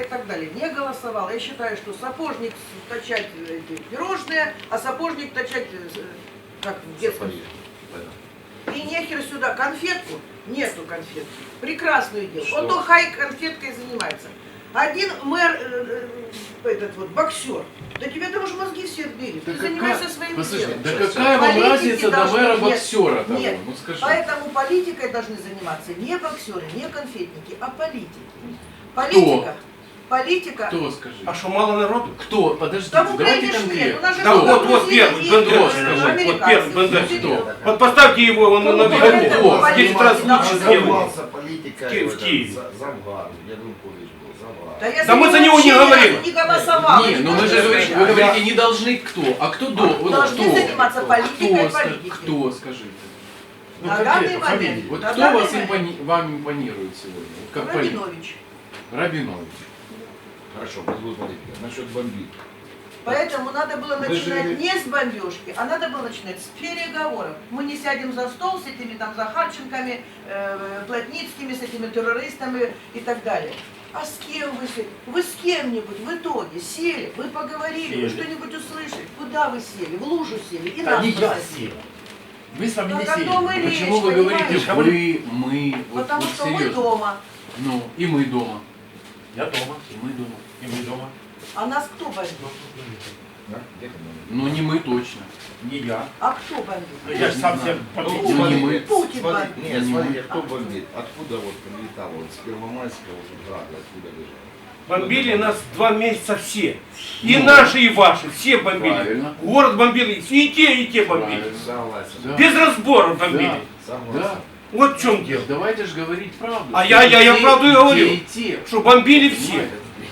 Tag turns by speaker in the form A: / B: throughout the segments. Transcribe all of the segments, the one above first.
A: и так далее, не голосовал. Я считаю, что сапожник точать эти пирожные, а сапожник точать, как в детском. И нехер сюда конфетку, нету конфетки. Прекрасную дело. Вот то хай конфеткой занимается. Один мэр, этот вот боксер, да тебе там уже мозги все отбили.
B: Да
A: Ты занимайся своим делом.
B: Да какая вам разница до мэра боксера того?
A: Нет,
B: Ну, скажи.
A: поэтому политикой должны заниматься не боксеры, не конфетники, а политики. Политика. Политика.
B: Кто, скажи?
C: А что, мало народу?
B: Кто? Подождите,
A: Да в
B: давайте
A: Украине ж нет. У
B: конкретно.
A: нас же
C: Да
A: много
C: вот
A: друзей
C: первый,
A: есть,
C: Бендер,
A: американцы,
C: вот первый, Бендер.
A: кто?
C: Вот поставьте его, он на
A: Поэтому
C: виду.
A: политика
C: 10 раз
A: должна
C: лучше
A: быть.
C: сделает.
D: Занимался политикой
C: В Киеве.
D: Завгар, Янукович был, Завгар.
A: я
C: Да мы за
A: него
C: него не
A: вообще
C: говорим.
A: Не голосовал.
B: Не, ну мы же говорите, вы говорите, не должны кто. А кто до? Вот
A: Должны
B: кто?
A: заниматься политикой, политикой.
B: Кто, скажите? Ну,
A: На
B: конкретно,
A: данный момент.
B: фамилии. Вот
A: На
B: кто
A: данный
B: вас
A: момент.
B: вам импонирует сегодня? Вот как политик?
A: Рабинович.
B: Рабинович.
D: Хорошо, будет политика. Насчет бомбит.
A: Поэтому надо было
D: Вы же-
A: начинать не с бомбежки, а надо было начинать с переговоров. Мы не сядем за стол с этими там Захарченками, Плотницкими, с этими террористами и так далее. А с кем вы сели? Вы с кем-нибудь в итоге сели, вы поговорили, вы что-нибудь услышали? Куда вы сели? В лужу сели и нас посадили.
E: Вы с вами не
A: Так о
E: сели.
A: том и речь,
B: Почему вы говорите
A: понимаете?
B: вы, мы? Вот,
A: Потому
B: вот
A: что мы
B: серьезно.
A: дома.
B: Ну, и мы дома.
E: Я дома.
B: И мы дома.
E: И мы дома.
A: А нас кто бомбит?
D: Да? Где там?
B: Ну, не мы точно.
E: Не я.
A: А кто бомбит?
E: Я же сам себе
B: Ну,
E: подписывал.
B: не мы.
A: Путин
D: Смотри,
A: бомбит.
D: нет,
B: Не
D: смотри,
B: мы.
D: кто бомбит? Откуда вот прилетало? Вот с Первомайского вот града, откуда лежал?
C: Бомбили нас 2 месяца все. И наши, и ваши. Все бомбили.
B: Правильно.
C: Город бомбили. И те бомбили.
B: Правильно.
D: Согласен.
B: Да.
C: Без разбора бомбили.
B: Да.
D: Согласен.
C: Вот в чем дело.
B: Давайте же говорить правду.
C: А
B: Что
C: я
B: и те,
C: правду и говорю.
B: И те.
C: Что бомбили все.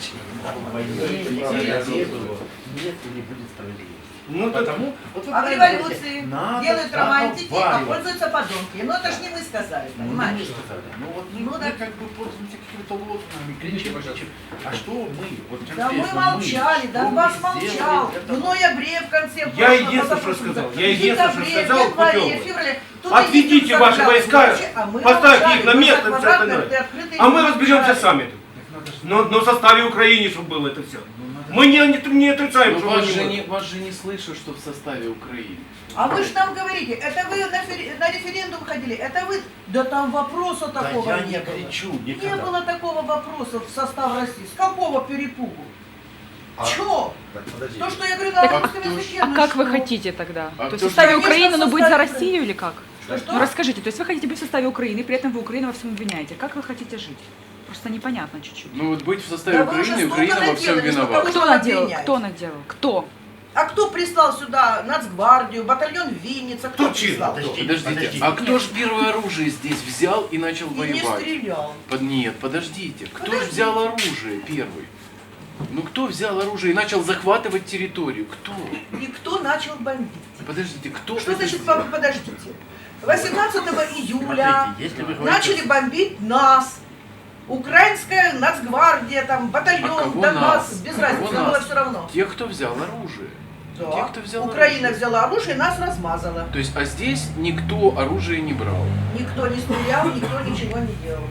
E: Нет, и не будет справедливости.
C: Ну, так,
E: Потому, вот вы
A: А в
E: правильно
A: революции
E: говорите, надо
A: делают романтики, а
E: проговаривать.
A: пользуются подонки. Ну это ж не мы сказали,
E: Ну,
A: понимаешь?
E: не сказали. Ну вот
A: Ну,
E: мы
A: да.
E: как бы пользуемся какими-то лозунгами, кричим. А что мы? Вот
A: Да мы
E: конкретно
A: молчали,
E: что
A: Донбасс
E: мы сделали
A: молчал.
E: для
A: В
E: того?
A: ноябре, в конце
C: Я
A: прошлого,
C: единственное, что
A: позапрошлого
C: сказал.
A: года,
C: Я
A: в
C: единственное, что
A: декабре,
C: сказал,
A: в январе,
C: Путёву.
A: в феврале. Тут
C: Отведите
A: единственное,
C: ваши
A: что
C: войска,
A: молчали, а мы
C: поставьте
A: молчали,
C: их на
A: мы
C: место,
A: за
C: все
A: квадратные,
C: остальное.
A: открытые
C: А мы
A: не
C: разберемся
A: молчали.
C: сами тут. Но в составе Украины, чтобы было это все. Мы не отрицаем,
B: Но
C: что
B: вас
C: мы
B: же,
C: не
B: не, вас же не слышат, что в составе Украины.
A: А вы же нам говорите, это вы на референдум ходили, это вы, да там вопроса
E: Да
A: такого
E: я
A: не
E: не
A: было.
E: кричу
A: Не
E: никогда.
A: было такого вопроса в состав России. С какого перепугу?
D: А-
A: Чё?
D: Так, подожди.
A: То, что я говорю на
B: Так,
A: русском
B: кто ж-
A: языке,
F: А
A: ну
F: как вы
A: что?
F: хотите тогда?
B: А
F: То есть
B: кто
F: в
B: ж-
F: составе
A: Конечно,
F: Украины,
A: в
F: но быть за
A: составе
F: Россию или как?
A: Что?
F: Ну расскажите, то есть вы хотите быть в составе Украины, при этом вы Украину во всем обвиняете. Как вы хотите жить? Просто непонятно чуть-чуть.
B: Ну вот быть в составе
A: Да вы уже
B: Украины,
A: столько
B: Украина во всем
A: наделали, что
B: виновата.
A: кого-
F: Кто
A: вы
F: наделал?
A: обвиняете?
F: Кто наделал? Кто?
A: А кто прислал сюда Нацгвардию, батальон Винница? Кто
C: Кто чьи?
A: прислал?
B: Подождите, а кто же первое оружие здесь взял и начал
A: И не
B: воевать?
A: стрелял.
B: Нет, подождите. Кто же взял оружие первый? Ну кто взял оружие и начал захватывать территорию? Кто?
A: И кто начал бомбить?
B: Подождите, кто
A: Что
B: это
A: значит,
B: сделал?
A: подождите? 18 июля
E: Смотрите, если вы говорите-
A: начали бомбить нас. Украинская Нацгвардия, там,
B: А
A: батальон,
B: кого
A: Донбасс,
B: нас?
A: без
B: Кого
A: разницы, нам было
B: нас?
A: все равно.
B: Тех, кто взял оружие.
A: Да.
B: Те, кто взял
A: Украина
B: оружие.
A: взяла оружие и нас размазала.
B: То есть, а здесь никто оружие не брал.
A: Никто не стрелял, никто ничего не делал.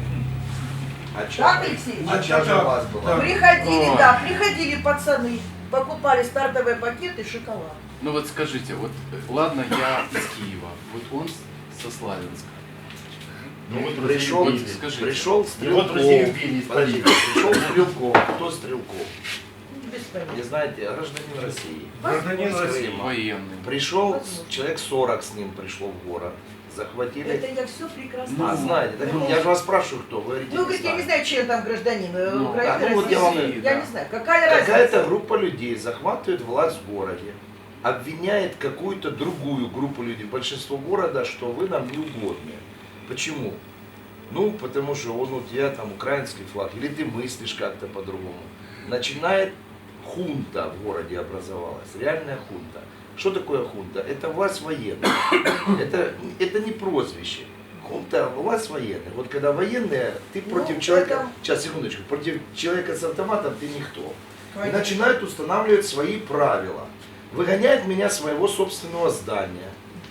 D: А чё-
A: Так, Алексей?
D: А чья же у вас была?
A: Приходили,
B: Ой.
A: да, приходили пацаны, покупали стартовые пакеты, шоколад.
B: Ну вот скажите, вот ладно, я из Киева, вот он со Славянска.
E: Ну вот
D: Пришел,
E: Россию били.
B: скажите.
D: пришел
E: Вот Россию
D: Стрелков.
E: били,
D: Подожди, пришел Стрелков. Кто Стрелков?
A: Без
D: Не
A: понятия.
D: знаете, гражданин России.
C: Гражданин
D: Из
C: России.
D: Крыма.
B: Военный.
D: Пришел,
A: Возможно.
D: человек 40 с ним пришло в город. Захватили.
A: Это я все прекрасно
D: А,
A: знаю.
D: знаете, так
A: Ну,
D: я же вас спрашиваю, кто? Вы говорите,
A: Ну, говорит, я не знаю, чей там гражданин,
B: Ну,
A: Украины,
D: да, ну вот
A: России.
D: я вам-
A: Я
B: да.
A: не знаю, какая
D: Какая-то
A: разница?
D: группа людей захватывает власть в городе, обвиняет какую-то другую группу людей, большинство города, что вы нам не угодны. Почему? Ну, потому что он у тебя там украинский флаг, или ты мыслишь как-то по-другому. Начинает хунта в городе образовалась, реальная хунта. Что такое хунта? Это власть военная. Это не прозвище. Хунта – власть военная. Вот когда военные, ты
A: Ну,
D: против человека,
A: это-
D: сейчас, секундочку, против человека с автоматом ты никто. И
A: Конечно.
D: начинают устанавливать свои правила. Выгоняет меня с моего собственного здания,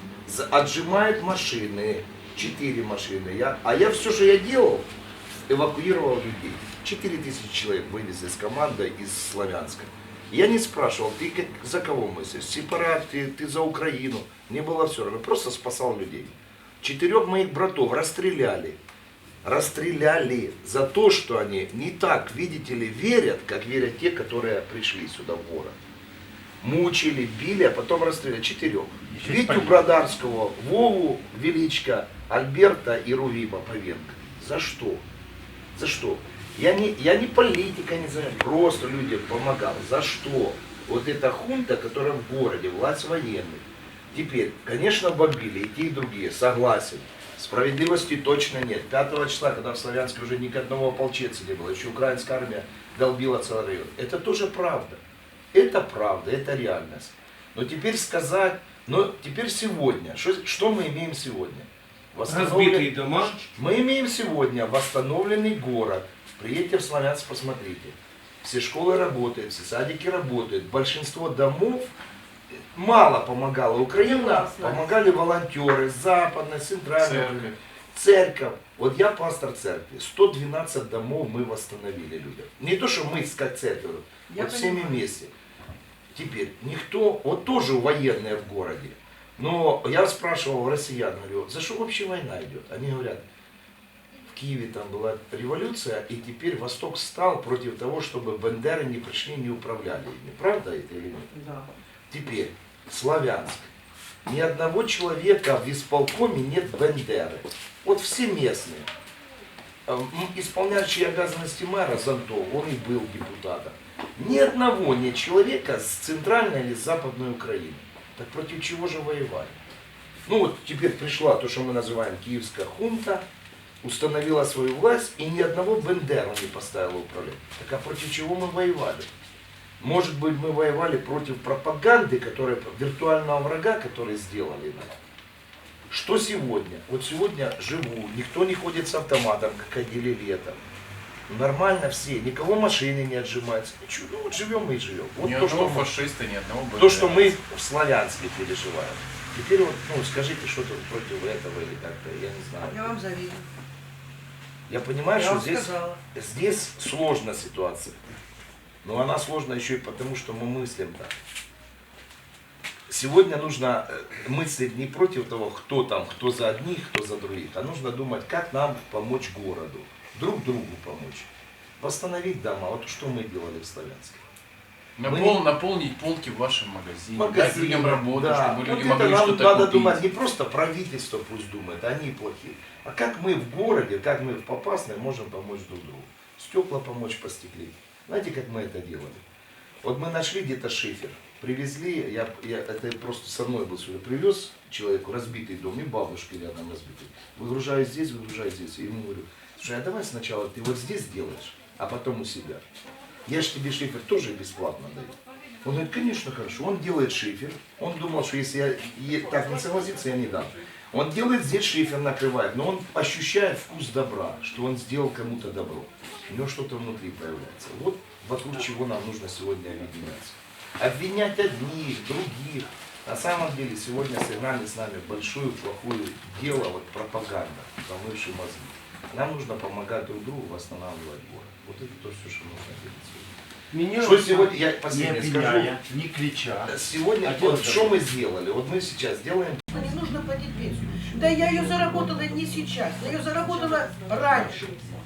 D: отжимает машины, 4 машины. А я все, что я делал, эвакуировал людей. 4000 человек вывезли с командой из Славянска. Я не спрашивал, ты за кого мыслишь? Сепарат, ты за Украину. Мне было все равно, просто спасал людей. 4 моих братов расстреляли. Расстреляли за то, что они не так, видите ли, верят, как верят те, которые пришли сюда в город. Мучили, били, а потом расстреляли. 4. Витю Бродарского, Вову Величко, Альберта и Рувима Павенко. За что? За что? Я не политика, не знаю, просто людям помогал. За что? Вот эта хунта, которая в городе, власть военных. Теперь, конечно, бомбили и те, и другие, согласен. Справедливости точно нет. 5 числа, когда в Славянске уже ни одного ополченца не было, еще украинская армия долбила целый район. Это тоже правда. Это правда, это реальность. Но теперь сказать, но теперь сегодня, что мы имеем сегодня?
C: Разбитые дома.
D: Мы имеем сегодня восстановленный город. Приедьте в Славянск, посмотрите. Все школы работают, все садики работают. Большинство домов мало помогала Украина, помогали волонтеры, западной, центральной, церковь. Вот я пастор церкви. 112 домов мы восстановили людям. Не то, что мы как церковь, вот всеми вместе. Теперь никто, вот тоже военные в городе. Но я спрашивал россиян, говорю, за что вообще война идет? Они говорят, в Киеве там была революция, и теперь Восток стал против того, чтобы бандеры не пришли, не управляли ими. Правда это или нет?
A: Да.
D: Теперь, Славянск. Ни одного человека в исполкоме нет бандеры. Вот все местные. Исполняющий обязанности мэра Зонтов, он и был депутатом. Ни одного нет человека с центральной или с западной Украины. Так против чего же воевали? Ну вот теперь пришла то, что мы называем киевская хунта, установила свою власть, и ни одного бандеру не поставила управлять. Так а против чего мы воевали? Может быть, мы воевали против пропаганды, виртуального врага, который сделали нам. Что сегодня? Вот сегодня живу, никто не ходит с автоматом, как ходили летом. Нормально все, никого машины не отжимаются. Ничего, ну вот живем мы и живем. Вот
B: Ни
D: то,
B: одного
D: что
B: фашиста, ни одного бандера.
D: то, что мы в Славянске переживаем. Теперь вот, ну, скажите что-то против этого или как-то, я не знаю.
A: Я вам завидую.
D: Я понимаю,
A: Я
D: что
A: вам сказала.
D: здесь сложная ситуация. Но она сложна еще и потому, что мы мыслим так. Сегодня нужно мыслить не против того, кто там, кто за одних, кто за других, а нужно думать, как нам помочь городу, друг другу помочь, восстановить дома. Вот что мы делали в Славянске.
B: Наполнить полки в вашем магазине, дать людям работу,
D: да.
B: чтобы люди
D: вот
B: могли
D: нам
B: что-то
D: надо
B: купить.
D: думать, не просто правительство пусть думает, они плохие, а как мы в городе, как мы в Попасной можем помочь друг другу. Стекла помочь постеклить. Знаете, как мы это делали? Вот мы нашли где-то шифер, привезли, это просто со мной был сегодня, привез человеку разбитый дом, и бабушки рядом разбитый. Выгружаю здесь, и ему говорю, слушай, а давай сначала ты вот здесь делаешь, а потом у себя. Я же тебе шифер тоже бесплатно даю. Он говорит, конечно, хорошо. Он делает шифер. Он думал, что если я так не согласится, я не дам. Он делает здесь шифер, накрывает, но он ощущает вкус добра, что он сделал кому-то добро. У него что-то внутри появляется. Вот вокруг чего нам нужно сегодня объединяться. Обвинять одних, других. На самом деле сегодня сыграли с нами большое, плохое дело, вот пропаганда, помывший мозги. Нам нужно помогать друг другу восстанавливать город. Вот это то, что нужно делать сегодня.
E: Меня
D: Что сегодня, я
E: не
D: последнее скажу.
E: обвиняя, не крича.
D: Сегодня, вот что мы сделали? Вот мы сейчас делаем.
A: Не нужно платить пенсию. Да я ее заработала не сейчас, я ее заработала раньше.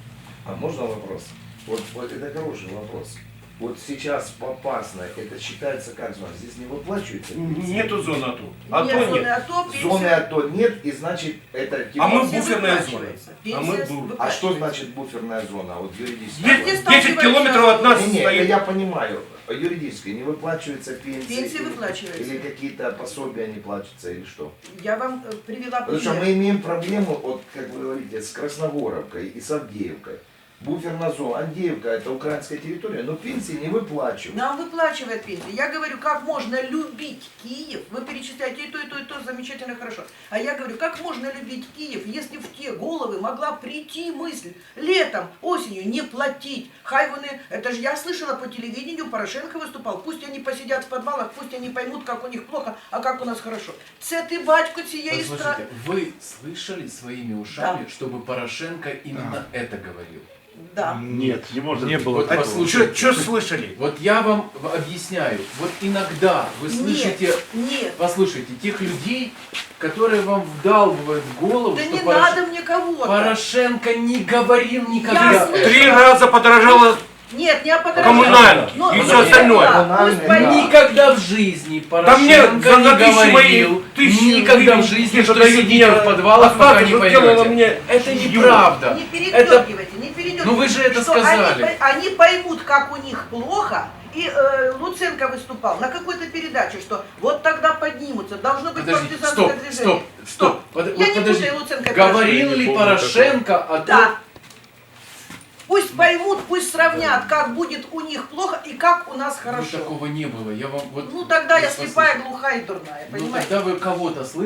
D: А можно вопрос? Вот это хороший вопрос. Вот сейчас Попасна, это считается как зона? Здесь не выплачивается пенсия?
C: Нету зоны АТО.
A: Нет
C: АТО
A: зоны
C: нет.
A: АТО, пенсия.
D: Зоны АТО нет, и значит это типа...
C: А мы
A: Пенсия
C: буферная зона.
A: выплачивается.
C: А
A: Пенсия
C: мы
A: выплачивается.
D: А что значит буферная зона? Вот юридически.
A: Где
C: 10 километров от нас
D: Не, это
C: стоит.
D: я понимаю. Юридически не выплачивается пенсия.
A: Пенсия
D: или-
A: выплачивается.
D: Или какие-то пособия не платятся, или что?
A: Я вам привела
D: Потому что
A: пример.
D: мы имеем проблему, вот, как вы говорите, с Красногоровкой и с Авдеевкой. Буферная зона. Авдеевка это украинская территория, но пенсии не выплачивают.
A: Нам выплачивает пенсию. Я говорю, как можно любить Киев? Вы перечисляете и то, замечательно, хорошо. А я говорю, как можно любить Киев, если в те головы могла прийти мысль летом, осенью не платить. Хай вони, это же я слышала по телевидению, Порошенко выступал, пусть они посидят в подвалах, пусть они поймут, как у них плохо, а как у нас хорошо. Це ти, батько, цієї страны.
B: Послушайте, вы слышали своими ушами, чтобы Порошенко именно это говорил?
A: Да.
G: Нет, не может
E: Не
G: быть.
E: было
B: Вот
E: такого.
B: послушайте.
C: Что слышали?
B: Вот я вам объясняю. Вот иногда вы слышите,
A: Нет.
B: послушайте, тех людей, которые вам вдалбывают в голову,
A: Да
B: что
A: не надо мне кого-то.
B: Порошенко не говорил
A: Я
B: никогда.
A: слышала.
C: 3 раза подорожало
A: Нет, не о подорожании.
C: коммунально
A: Ну,
C: и
A: ну,
C: все остальное.
A: да, пусть
D: Коммунальное,
A: поймут.
B: Никогда в жизни
C: Да мне
B: Порошенко
C: за
B: не
C: тысячи мои
B: говорил,
C: тысячи
B: никогда в
C: гривен
B: жизни,
C: где-то
B: что
C: дают
B: сидите
C: мне,
B: в подвалах, пока
C: остаток,
B: не
C: что сделала
B: поймете.
C: мне
B: Это
C: Юра.
B: неправда.
A: Не передергивайте, не передергивайте.
B: Ну вы же это
A: Что
B: сказали.
A: Они поймут, как у них плохо. И Луценко выступал на какой-то передаче, что вот тогда поднимутся. Должно быть
B: Подождите,
A: партизанское
B: стоп,
A: движение.
B: стоп. Вот
A: Я не
B: подождите.
A: путаю Луценко и
B: Говорил
G: Я не
B: ли
G: помню
B: Порошенко о том,
A: Да. Пусть поймут, пусть сравнят, как будет у них плохо и как у нас
B: Ну,
A: хорошо.
B: такого не было. Я вам вот.
A: Ну тогда я
B: послушайте.
A: слепая, глухая и дурная,
B: Ну
A: понимаете?
B: тогда вы кого-то слышите.